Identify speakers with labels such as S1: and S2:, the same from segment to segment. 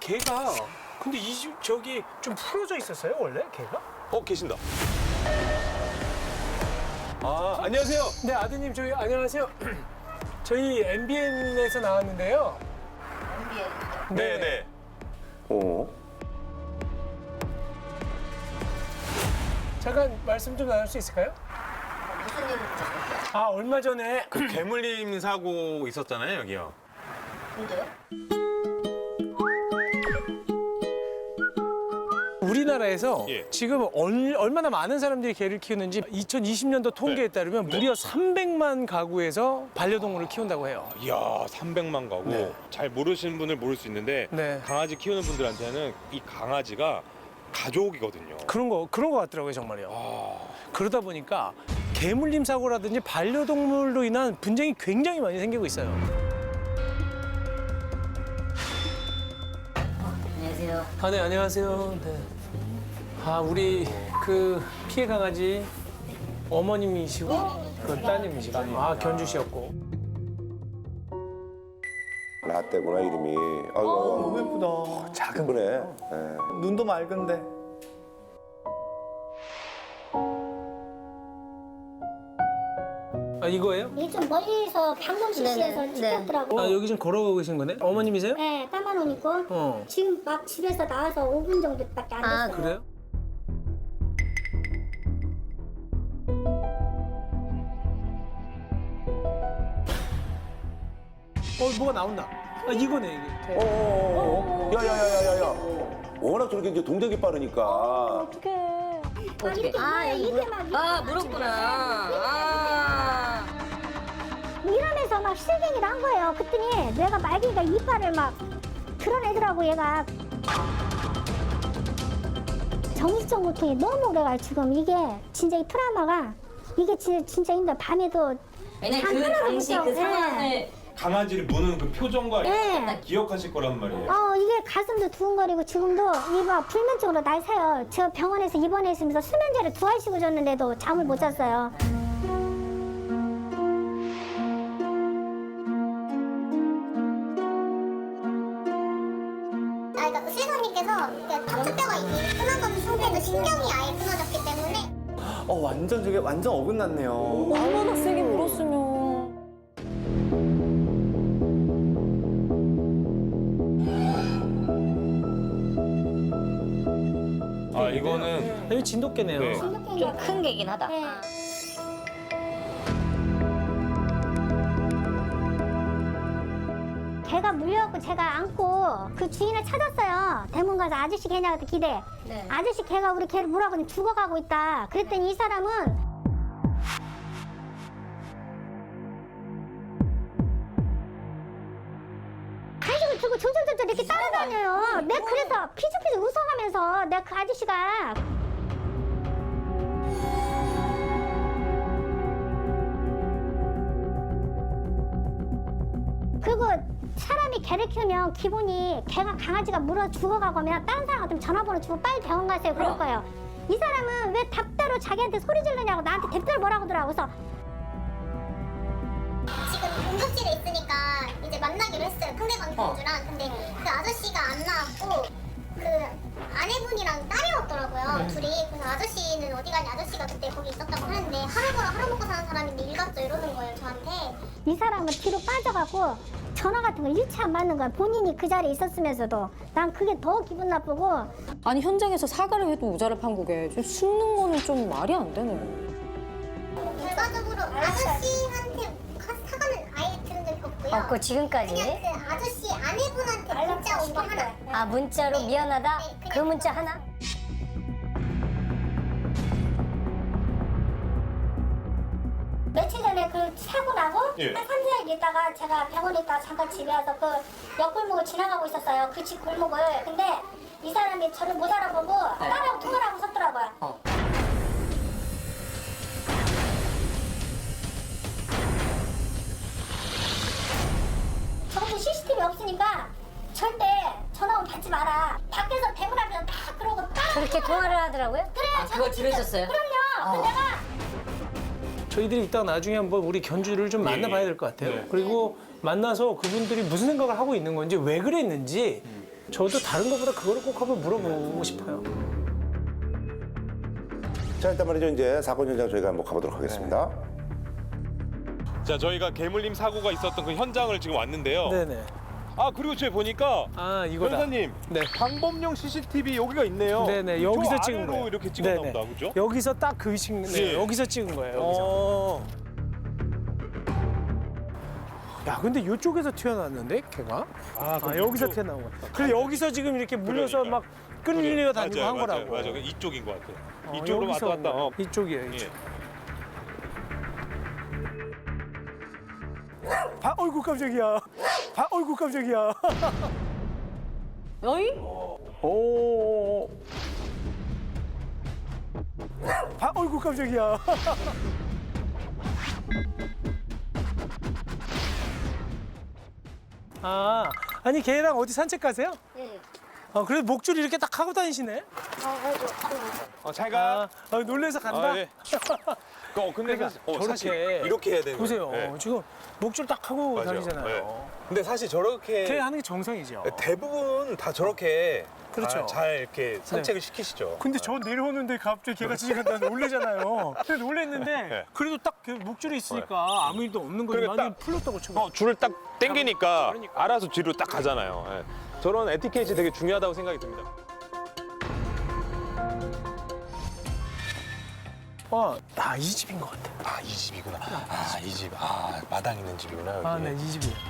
S1: 개가 근데 이 집 저기 좀 풀어져 있었어요 원래 개가?
S2: 계신다. 안녕하세요.
S1: 네 아드님 저희 안녕하세요. 저희 MBN에서 나왔는데요.
S2: 네네.
S1: 잠깐 말씀 좀 나눌 수 있을까요?
S3: 무슨 일을 하셨어요?
S1: 얼마 전에
S2: 그 개물림 사고 있었잖아요, 여기요.
S3: 근데요?
S1: 우리나라에서
S2: 예.
S1: 지금 얼마나 많은 사람들이 개를 키우는지 2020년도 통계에 따르면 무려 300만 가구에서 반려동물을 키운다고 해요.
S4: 이야, 300만 가구.
S1: 네.
S4: 잘 모르시는 분을 모를 수 있는데
S1: 네.
S4: 강아지 키우는 분들한테는 이 강아지가 가족이거든요.
S1: 그런 거 같더라고요 정말요. 그러다 보니까 개물림 사고라든지 반려동물로 인한 분쟁이 굉장히 많이 생기고 있어요.
S3: 안녕하세요.
S1: 네 안녕하세요. 네. 우리 그 피해 강아지 어머님이시고 그 따님이시고 견주시였고.
S5: 라떼구나 이름이. 아이고
S6: 너무 예쁘다.
S5: 작은 거네. 예.
S6: 눈도 맑은데.
S1: 이거예요?
S7: 이게 좀 멀리서 방문 실시해서
S3: 네네.
S7: 찍혔더라고.
S1: 여기 지금 걸어가고 계신 거네? 어머님이세요?
S7: 네, 까만 옷 입고
S1: 어.
S7: 지금 막 집에서 나와서 5분 정도밖에 안 됐어요.
S1: 그래요? 뭐가 나온다. 이거네 이게.
S5: 야야야야야야. 워낙 저렇게 이제 동작이 빠르니까.
S7: 어떡해.
S3: 어떻게?
S7: 이렇게 막
S3: 물었구나.
S7: 이러면서 막 실갱이를 한 거예요. 그랬더니 내가 말기가 이빨을 막 드러내더라고 얘가. 정신적 고통이 너무 오래가 지금 이게 진짜 이 트라우마가 이게 진짜 힘들어. 밤에도
S3: 왜냐면
S7: 잠
S3: 그
S7: 하나도
S3: 당시
S7: 못
S3: 그
S7: 자고,
S3: 상황을
S4: 강아지를 무는 그 표정과
S7: 네.
S4: 기억하실 거란 말이에요.
S7: 이게 가슴도 두근거리고 지금도 이거 불면증으로 날 새요. 저 병원에서 입원했으면서 수면제를 2알 씩을 줬는데도 잠을 못 잤어요.
S8: 그러니까 의사님께서 척추뼈가 이미 끊어진 상태에서 신경이 아예 끊어졌기 때문에
S6: 완전 저게 완전 어긋났네요.
S9: 얼마나 세게 물었으면.
S4: 이거는
S1: 이거 진돗개네요.
S4: 네.
S3: 좀 큰 개긴 하다.
S7: 네. 개가 물려갖고 제가 안고 그 주인을 찾았어요. 대문 가서 아저씨 개냐 그때 기대.
S3: 네.
S7: 아저씨 개가 우리 개를 물어가니 죽어가고 있다. 그랬더니 이 사람은 간식을 들고 졸졸졸졸 이렇게 따라다녀요. 내가 그래서 피죽피죽 웃어가면서 내가 그 아저씨가 그리고 사람이 개를 키우면 기본이 개가 강아지가 물어 죽어가고 하면 다른 사람한테 전화번호 주고 빨리 병원 가세요 그럴 거예요. 이 사람은 왜 답대로 자기한테 소리 지르냐고 나한테 답대로 뭐라고 하더라고. 그래서
S8: 지금 응급실에 있으니까 이제 만나기로 했어요. 상대방 견주랑. 근데 그 아저씨가 안 나왔고 그 아내분이랑 딸이었더라고요. 둘이. 그래서 아저씨는 어디 가니 아저씨가 그때 거기 있었다고 하는데 하루 벌어 하루 먹고 사는 사람인데 일 갔죠 이러는 거예요 저한테.
S7: 이 사람은 뒤로 빠져가고 전화 같은 거 일치 안 받는 거야. 본인이 그 자리에 있었으면서도. 난 그게 더 기분 나쁘고.
S9: 아니 현장에서 사과를 해도 모자를 판국에 좀 숨는 거는 좀 말이 안 되네.
S8: 결과적으로 아저씨한테 사과는 아예 들은 적이 없고요.
S3: 없고 지금까지.
S8: 그냥 그 아저씨 아내분한테 문자 온 거 하나.
S3: 문자로 미안하다. 그 문자 하나.
S7: 며칠 전에 그 사고 나고
S4: 예.
S7: 한 3, 4일 있다가 제가 병원에 있다가 잠깐 집에 와서 그 옆골목을 지나가고 있었어요. 그 집 골목을. 근데 이 사람이 저를 못 알아보고 딸하고 통화를 하고 섰더라고요. 저것도 CCTV 없으니까 절대 전화 오면 받지 마라. 밖에서 대문 앞에서 딱 그러고 딱
S3: 그렇게 통화를 하더라고요?
S7: 그래
S3: 그걸 들으셨어요?
S7: 그럼요. 근데 내가
S1: 저희들이 이따 나중에 한번 우리 견주를 좀 만나봐야 될 것 같아요.
S4: 네.
S1: 그리고 만나서 그분들이 무슨 생각을 하고 있는 건지 왜 그랬는지 저도 다른 것보다 그거를 꼭 한번 물어보고 싶어요.
S5: 자, 일단 말이죠. 이제 사건 현장 저희가 한번 가보도록 하겠습니다.
S4: 자, 저희가 개물림 사고가 있었던 그 현장을 지금 왔는데요.
S1: 네네.
S4: 아, 그리고 저희 보니까
S1: 아 이거다.
S4: 변호사님,
S1: 네.
S4: 방범용 CCTV 여기가 있네요.
S1: 네네 여기서
S4: 저
S1: 찍은
S4: 아래로
S1: 거예요.
S4: 이렇게 찍었나
S1: 네네.
S4: 보다, 그죠?
S1: 여기서 딱 그 위치, 네,
S4: 예.
S1: 여기서 찍은 거예요. 여기서.
S4: 어.
S1: 야 근데 이쪽에서 튀어나왔는데 걔가?
S4: 아, 그럼
S1: 여기서
S4: 이쪽-
S1: 튀어나온 거야. 그래 여기서 지금 이렇게 물려서
S4: 그러니까.
S1: 막 끌려 다니고
S4: 맞아요,
S1: 한 거라고.
S4: 맞아요. 이쪽인 것 같아요.
S1: 어,
S4: 이쪽으로
S1: 여기서
S4: 왔다 갔다.
S1: 이쪽이에요. 이쪽.
S4: 예.
S1: 어이구 깜짝이야. 어이구 깜짝이야.
S9: 어이?
S1: 오. 어이구 깜짝이야. 아니 걔랑 어디 산책 가세요?
S3: 네.
S1: 그래도 목줄 이렇게 딱 하고 다니시네.
S4: 잘 가.
S1: 놀래서 간다.
S4: 아, 예. 근데
S1: 그러니까
S2: 사실
S1: 저렇게
S2: 이렇게 해야 되는
S1: 보세요.
S2: 거예요. 네.
S1: 지금 목줄 딱 하고
S2: 맞아요.
S1: 다니잖아요.
S2: 네. 근데 사실 저렇게
S1: 걔 하는 게 정상이죠.
S2: 대부분 다 저렇게
S1: 그렇죠.
S2: 잘 이렇게 산책을 시키시죠.
S1: 근데 저 내려오는데 갑자기 걔가 지나간다 놀래잖아요. 근데 놀랬는데
S2: 네.
S1: 그래도 딱 그 목줄이 있으니까 아무 일도 없는 거지.
S4: 그러니까
S1: 완전 풀렸다고 치고.
S4: 줄을 딱 당기니까
S1: 그러니까.
S4: 알아서 뒤로 딱 가잖아요. 예. 저런 에티켓이 되게 중요하다고 생각이 듭니다.
S1: 이 집인 것 같아.
S2: 아, 이 집이구나. 아, 이 집. 아, 마당 있는 집이구나. 여기.
S1: 네, 이 집이에요.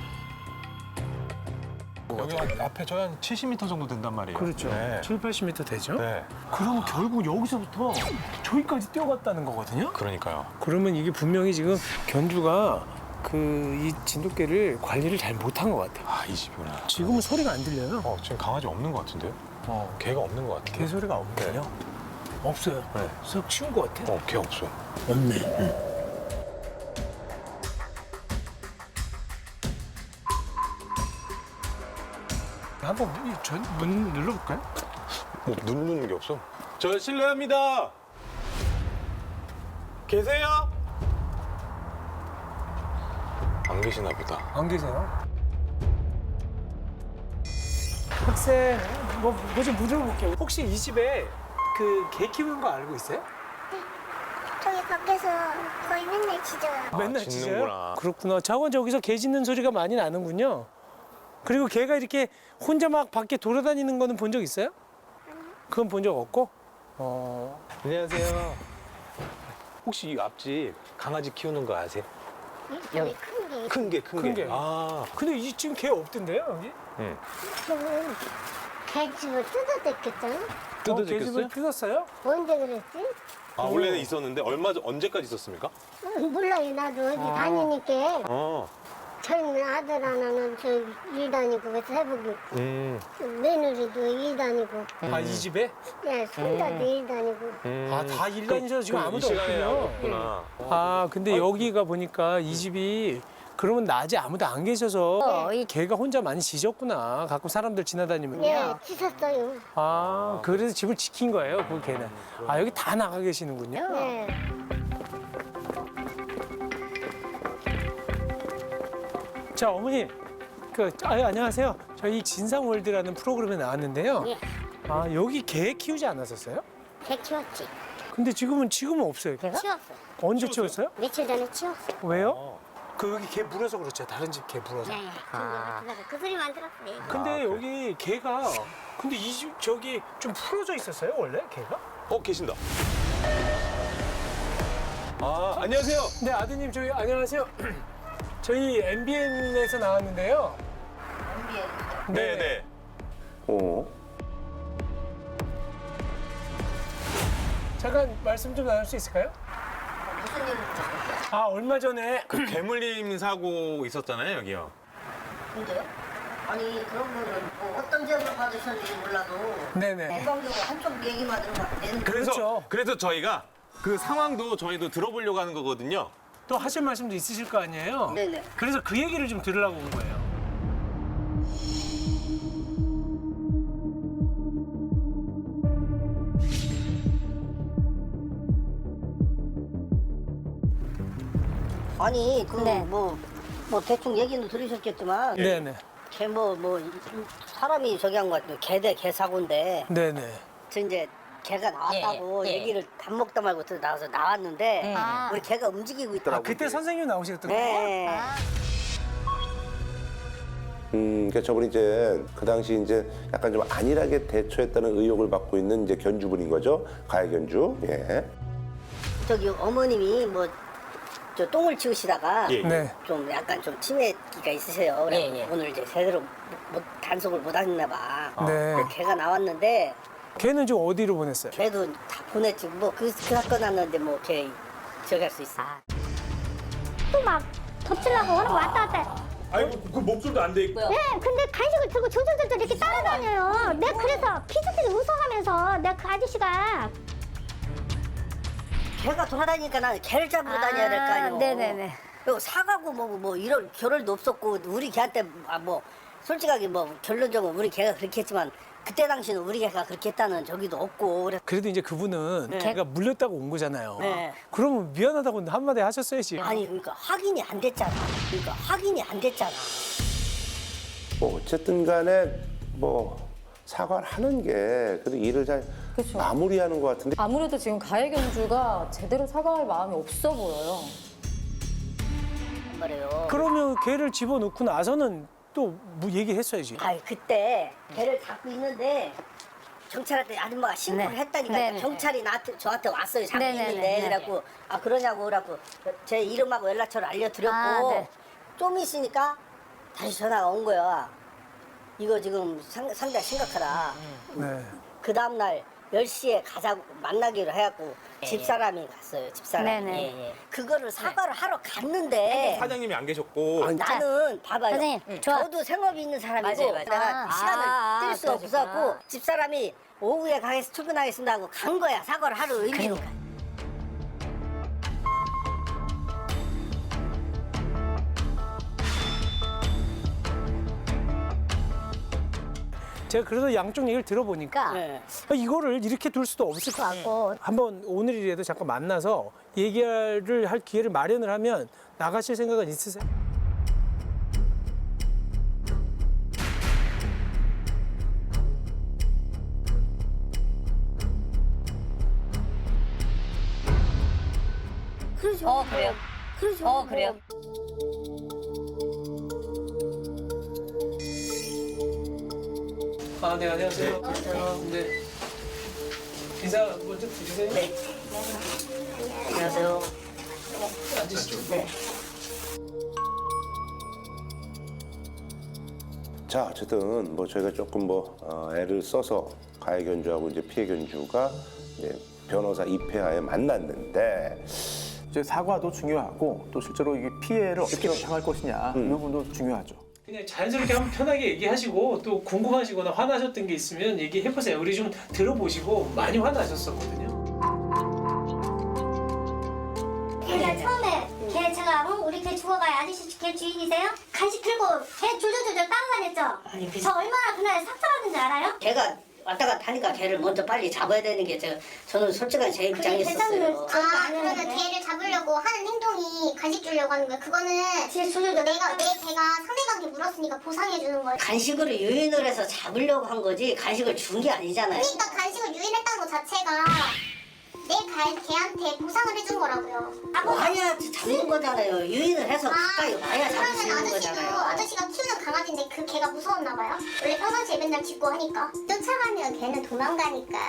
S2: 여기 앞에 저희 한 70m 정도 된단 말이에요.
S1: 그렇죠.
S2: 네.
S1: 7, 80m 되죠?
S2: 네.
S1: 그러면 결국 여기서부터 저기까지 뛰어갔다는 거거든요?
S2: 그러니까요.
S1: 그러면 이게 분명히 지금 견주가 이 진돗개를 관리를 잘 못한 것 같아요.
S2: 아, 이 집이구나.
S1: 지금은 소리가 안 들려요.
S2: 지금 강아지 없는 것 같은데요? 개가 없는 것 같아요.
S1: 개 소리가 없네요. 없어요.
S2: 네.
S1: 썩 치운 것 같아.
S2: 개 없어.
S1: 없네. 한번 문 눌러볼까요?
S2: 뭐 누르는 게 없어. 저 실례합니다. 계세요? 안 계시나 보다.
S1: 안 계세요? 학생, 뭐 좀 물어볼게요. 혹시 이 집에 그 개 키우는 거 알고 있어요?
S8: 저기 밖에서 거의 맨날 짖어요.
S1: 맨날
S2: 짖는구나.
S1: 짖어요? 그렇구나. 저건 저기서 개 짖는 소리가 많이 나는군요. 그리고 개가 이렇게 혼자 막 밖에 돌아다니는 거는 본 적 있어요? 그건 본 적 없고?
S2: 안녕하세요. 혹시 이 앞집 강아지 키우는 거 아세요?
S8: 여기 큰 게.
S2: 큰 개, 큰
S1: 큰
S2: 개.
S1: 개.
S2: 아,
S1: 근데 지금 개 없던데요, 여기?
S8: 저는 개집을 뜯어댔겠잖아.
S1: 개 집을 뜯었어요?
S8: 언제 그랬지?
S2: 아 원래는 있었는데 언제까지 있었습니까?
S8: 몰라요. 나도 어디 다니니까
S2: 어.
S8: 젊은 아들 하나는 저 일 다니고 그래서 해보기 며느리도 일 다니고
S1: 이 집에?
S8: 예, 손자도 일 다니고
S1: 다 일 다니셔서 지금
S2: 이
S1: 아무도
S2: 시간에 아무도
S1: 없군요.
S2: 없구나.
S1: 근데 여기가 보니까 이 집이 그러면 낮에 아무도 안 계셔서
S3: 이
S1: 개가 혼자 많이 짖었구나. 가끔 사람들 지나다니면.
S8: 예, 짖었어요.
S1: 그래서 집을 지킨 거예요, 그 개는. 여기 다 나가 계시는군요.
S8: 예.
S1: 자, 어머니. 안녕하세요. 저희 진상월드라는 프로그램에 나왔는데요.
S8: 예.
S1: 여기 개 키우지 않았었어요?
S8: 개 키웠지.
S1: 근데 지금은 없어요, 개가?
S8: 치웠어.
S1: 언제 키웠어요?
S8: 며칠 전에 치웠어.
S1: 왜요? 여기 개 물어서 그렇죠. 다른 집 개 물어서.
S8: 예, 그 소리만 들었어요.
S1: 근데 여기 개가 근데 이 집 저기 좀 풀어져 있었어요 원래 개가?
S2: 계신다. 안녕하세요.
S1: 네 아드님 저희 안녕하세요. 저희 MBN에서 나왔는데요.
S2: 네네.
S1: 잠깐 말씀 좀 나눌 수 있을까요?
S3: 무슨 일을
S1: 얼마 전에
S2: 그 개물림 사고 있었잖아요, 여기요.
S3: 근데요? 아니 그런 거는 뭐 어떤 제보를 받으셨는지 몰라도
S1: 네네.
S3: 일방적으로 한쪽 얘기만 들으면 안 되는 거예요.
S1: 그렇죠.
S2: 그래서 저희가 그 상황도 저희도 들어보려고 하는 거거든요.
S1: 또 하실 말씀도 있으실 거 아니에요?
S3: 네네.
S1: 그래서 그 얘기를 좀 들으려고 온 거예요.
S3: 아니 그
S8: 네.
S3: 뭐 대충 얘기는 들으셨겠지만
S1: 네네.
S3: 걔 뭐 사람이 저기 한 거 같아요. 개 사고인데
S1: 네네.
S3: 저 이제 개가 나왔다고 얘기를 밥 먹다 말고 나와서 나왔는데 우리 개가 움직이고
S1: 아,
S3: 있더라고요.
S1: 그때 선생님 나오셨던 거예요?
S3: 네.
S5: 그러니까 저분이 이제 그 당시 이제 약간 좀 안일하게 대처했다는 의혹을 받고 있는 이제 견주분인 거죠. 가해 견주. 예.
S3: 저기 어머님이 뭐 저 똥을 치우시다가
S4: 예.
S1: 네.
S3: 좀 약간 좀 치매기가 있으세요. 그래 오늘 이제 제대로 단속을 못 하셨나 봐.
S1: 네.
S3: 그 개가 나왔는데
S1: 걔는 좀 어디로 보냈어요?
S3: 걔도 다 보냈지. 뭐 그 사건 났는데 뭐 걔 저기 할 수 있어.
S7: 또 막 덮치려고 오는 거 왔다 갔다.
S4: 아이고 그 목줄도 안 돼 있고.
S7: 네, 근데 간식을 들고 졸졸졸졸 이렇게 따라다녀요. 내가 그래서 피스피스 웃어가면서 내가 그 아저씨가
S3: 개가 돌아다니니까 나는 개를 잡으러 다녀야 될 거 아니에요.
S7: 네네네.
S3: 그리고 사가고 뭐 이런 결을도 없었고 우리 개한테 뭐 솔직하게 뭐 결론적으로 우리 개가 그렇게 했지만 그때 당시는 우리 개가 그렇게 했다는 저기도 없고 그래.
S1: 그래도 이제 그분은 걔가 물렸다고 온 거잖아요.
S3: 네.
S1: 그러면 미안하다고 한마디 하셨어야지.
S3: 아니 그러니까 확인이 안 됐잖아.
S5: 뭐 어쨌든 간에 뭐 사과를 하는 게 그래도 일을 잘
S9: 그쵸.
S5: 마무리하는 것 같은데
S9: 아무래도 지금 가해 견주가 제대로 사과할 마음이 없어 보여요.
S3: 말이에요.
S1: 그러면 걔를 집어넣고 나서는 또 뭐 얘기했어야지.
S3: 아이 그때 개를 잡고 있는데 경찰한테 아줌마가 신고를 했다니까 경찰이 저한테 왔어요. 잡고 있는데 그래갖고 아 그러냐고 그래갖고 제 이름하고 연락처를 알려드렸고 좀 있으니까 다시 전화가 온 거야. 이거 지금 상당히 심각하다.
S1: 네.
S3: 그 다음날 10시에 가자고 만나기로 해갖고 집사람이 갔어요. 집사람이. 그거를 사과를 하러 갔는데
S2: 사장님이 안 계셨고.
S3: 나는 봐봐요.
S7: 선생님, 좋아.
S3: 저도 생업이 있는 사람이고 내가 시간을 뜰 수 없었고 집사람이 오후에 출근하겠습니다 하고 간 거야. 사과를 하러 의미로.
S1: 제가 그래서 양쪽 얘기를 들어보니까
S3: 네.
S1: 이거를 이렇게 둘 수도 없을 것 같고 한번 오늘이라도 잠깐 만나서 얘기를 할 기회를 마련을 하면 나가실 생각은 있으세요?
S3: 그래요. 그래요.
S1: 아, 네, 안녕하세요. 네. 인사 먼저 드리세요.
S3: 네. 안녕하세요.
S1: 앉으시죠.
S3: 네.
S5: 자 어쨌든 뭐 저희가 조금 뭐 애를 써서 가해 견주하고 이제 피해 견주가 이제 변호사 입회하에 만났는데
S6: 이제 사과도 중요하고 또 실제로 이게 피해를 어떻게 당할 것이냐 이 부분도 중요하죠.
S1: 그냥 자연스럽게 한번 편하게 얘기하시고 또 궁금하시거나 화나셨던 게 있으면 얘기해보세요. 우리 좀 들어보시고 많이 화나셨었거든요.
S7: 그러니까 처음에 걔 제가 우리 걔 죽어가요. 아저씨 걔 주인이세요? 간식 들고 걔 졸졸졸졸 따라다녔죠?
S3: 아니,
S7: 저 얼마나 그날 삭삭하는지 알아요?
S3: 걔가 왔다 갔다 하니까 걔를 먼저 빨리 잡아야 되는 게 저는 솔직한 제 입장이었어요.
S8: 아, 그러면 개를 잡으려고 하는 행동이 간식 주려고 하는 거야. 그거는 내 개가 상대방한테 물었으니까 보상해 주는 거야.
S3: 간식으로 유인을 해서 잡으려고 한 거지 간식을 준 게 아니잖아요.
S8: 그러니까 간식을 유인했다는 것 자체가 내 개한테 보상을 해준 거라고요.
S3: 와야 잡는 거잖아요. 유인을 해서 가까이 와야 잡을 수
S8: 그러면
S3: 있는 거잖아요.
S8: 아저씨가 키우는 강아지인데 그 개가 무서웠나 봐요. 원래 평상시에 맨날 짖고 하니까. 쫓아가면 개는 도망가니까.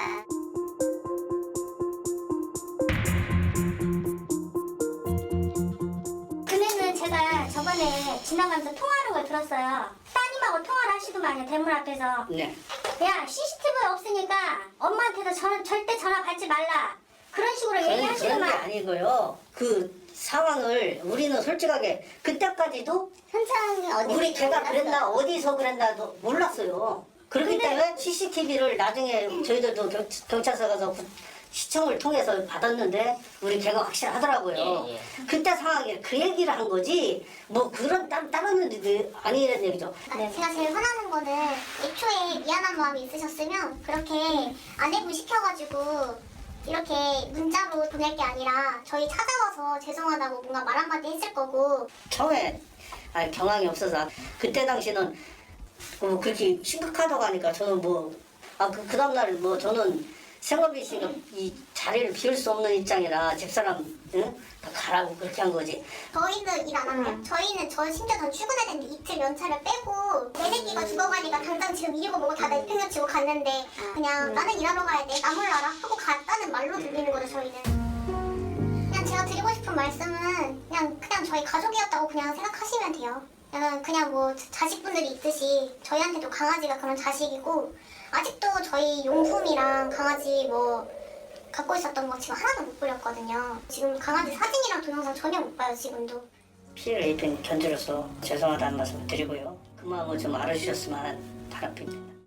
S7: 그러면은 제가 저번에 지나가면서 통화하는 걸 들었어요. 따님하고 통화를 하시더만요. 대문 앞에서.
S3: 네.
S7: 야, CCTV 없으니까 엄마한테도 절대 전화 받지 말라. 그런 식으로
S3: 그런 게
S7: 얘기하시더만.
S3: 아니고요. 그 상황을 우리는 솔직하게 그때까지도
S8: 현장이 어디
S3: 우리 걔가 그랬나 어디서 그랬나도 몰랐어요. 그렇기 때문에 CCTV를 나중에 저희들도 경찰서 가서 시청을 통해서 받았는데 우리 걔가 확실하더라고요. 그때 상황에 그 얘기를 한 거지 뭐 그런 다른 일이 아니라는 얘기죠.
S8: 제가 제일 화나는 거는 애초에 미안한 마음이 있으셨으면 그렇게 아내분 시켜가지고 이렇게 문자로 보낼 게 아니라 저희 찾아와서 죄송하다고 뭔가 말 한마디 했을 거고.
S3: 처음에 경황이 없어서 그때 당시는 그렇게 심각하다고 하니까 저는 그 다음날 저는 생업이 있으니까 이 자리를 비울 수 없는 입장이라 집사람 다 가라고 그렇게 한 거지.
S8: 저희는 일 안 하고요. 저희는 심지어 전 출근해야 되는데 이틀 연차를 빼고 내 새끼가 죽어가니까 당장 지금 일이고 뭐고 다 내팽겨치고 갔는데 그냥 나는 일하러 가야 돼. 나 몰라라 하고 갔다는 말로 들리는 거죠 저희는. 그냥 제가 드리고 싶은 말씀은 그냥 저희 가족이었다고 그냥 생각하시면 돼요. 그냥 뭐 자식분들이 있듯이 저희한테도 강아지가 그런 자식이고 아직도 저희 용품이랑 강아지 뭐 갖고 있었던 거 지금 하나도 못 버렸거든요. 지금 강아지 사진이랑 동영상 전혀 못 봐요 지금도.
S3: 피해를 입힌 견주로서 죄송하다는 말씀을 드리고요. 그 마음을 좀 알아주셨으면 바랍니다.